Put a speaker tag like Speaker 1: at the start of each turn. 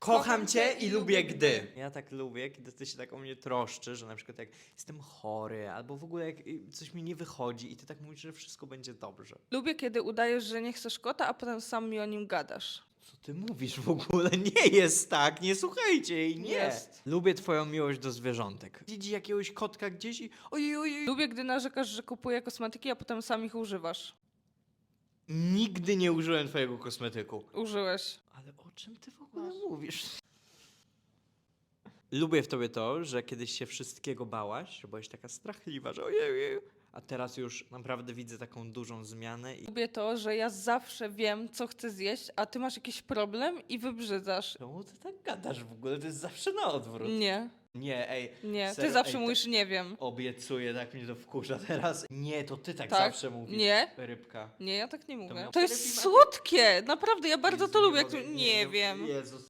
Speaker 1: Kocham cię i lubię gdy. Ja tak lubię, kiedy ty się tak o mnie troszczy, że na przykład jak jestem chory, albo w ogóle jak coś mi nie wychodzi i ty tak mówisz, że wszystko będzie dobrze.
Speaker 2: Lubię, kiedy udajesz, że nie chcesz kota, a potem sam mi o nim gadasz.
Speaker 1: Co ty mówisz w ogóle? Nie jest tak, nie słuchajcie jej, nie.
Speaker 2: Jest.
Speaker 1: Lubię twoją miłość do zwierzątek. Widzi jakiegoś kotka gdzieś i ojej, ojej.
Speaker 2: Lubię, gdy narzekasz, że kupuję kosmetyki, a potem sam ich używasz.
Speaker 1: Nigdy nie użyłem twojego kosmetyku.
Speaker 2: Użyłeś.
Speaker 1: Ale o czym ty w ogóle mówisz? Lubię w tobie to, że kiedyś się wszystkiego bałaś, że byłaś taka strachliwa, że ojej, a teraz już naprawdę widzę taką dużą zmianę i...
Speaker 2: Lubię to, że ja zawsze wiem, co chcę zjeść, a ty masz jakiś problem i wybrzydzasz.
Speaker 1: Czemu ty tak gadasz w ogóle? To jest zawsze na odwrót.
Speaker 2: Nie,
Speaker 1: Nie, ej.
Speaker 2: nie.
Speaker 1: serio,
Speaker 2: Ty zawsze
Speaker 1: ej,
Speaker 2: mówisz nie wiem.
Speaker 1: Obiecuję, tak mnie to wkurza teraz. Nie, to ty tak,
Speaker 2: Tak?
Speaker 1: zawsze mówisz.
Speaker 2: Nie.
Speaker 1: Rybka.
Speaker 2: Nie, ja tak nie mówię.
Speaker 1: miał
Speaker 2: To
Speaker 1: lepiej
Speaker 2: jest
Speaker 1: ma-
Speaker 2: słodkie! Naprawdę, ja bardzo
Speaker 1: Jezu,
Speaker 2: to lubię. Jak
Speaker 1: mogę,
Speaker 2: tu... Nie wiem.
Speaker 1: Jezus.